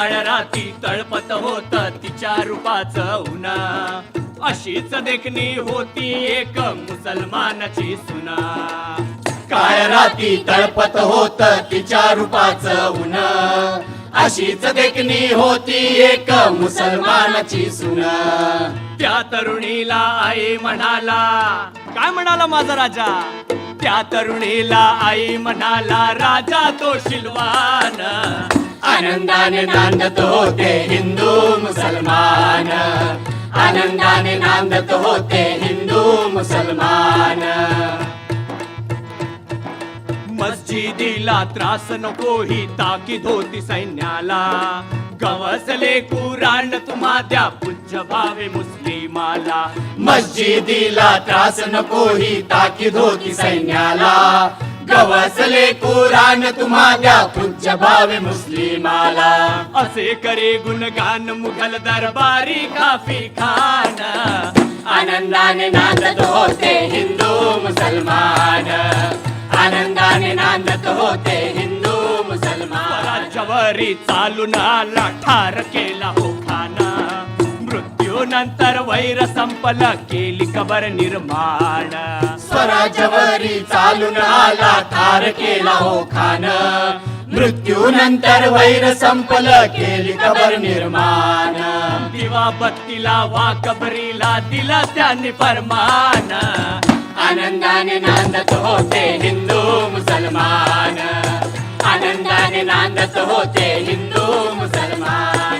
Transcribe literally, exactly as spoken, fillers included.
काळ राती तळपत होत तिच्या रूपाचं उन्हा, अशीच देखणी होती एक मुसलमानाची सुना. काळ राती तळपत होत तिच्या रूपाचं ऊन, अशीच देखणी होती एक मुसलमानाची सुन. त्या तरुणीला आई म्हणाला, काय म्हणाला माझा राजा? त्या तरुणीला आई म्हणाला, राजा तो शिलवान. आनंदाने नांदत होते हिंदू मुसलमान, आनंदाने नांदत होते हिंदू मुसलमान. मस्जिदीला त्रास नको ही ताकीद होती सैन्याला, गवसले कुराण तुम्हा द्या पूज्य भावे मुस्लिमाला. मस्जिदीला त्रास नको ही ताकीद होती सैन्याला, गवसले कुराण तुम्हा द्या पूज्य भावे मुस्लिमाला. असे करे गुणगान मुघल दरबारी काफी खान. आनंदाने नांदत होते हिंदू मुसलमान, आनंदाने नांदत होते हिंदू मुसलमान. राज्यावरी चालून आला ठार केला हो खाना, मृत्यूनंतर वैर संपल केली कबर निर्माण. स्वराज्यावरी चालून आला ठार केला हो खान, मृत्यूनंतर वैर संपल केली कबर निर्माण. दिवा बत्तीला वा कबरीला दिला त्यांनी फरमान. आनंदाने नांदत होते हिंदू मुसलमान, आनंदाने नांदत होते हिंदू मुसलमान.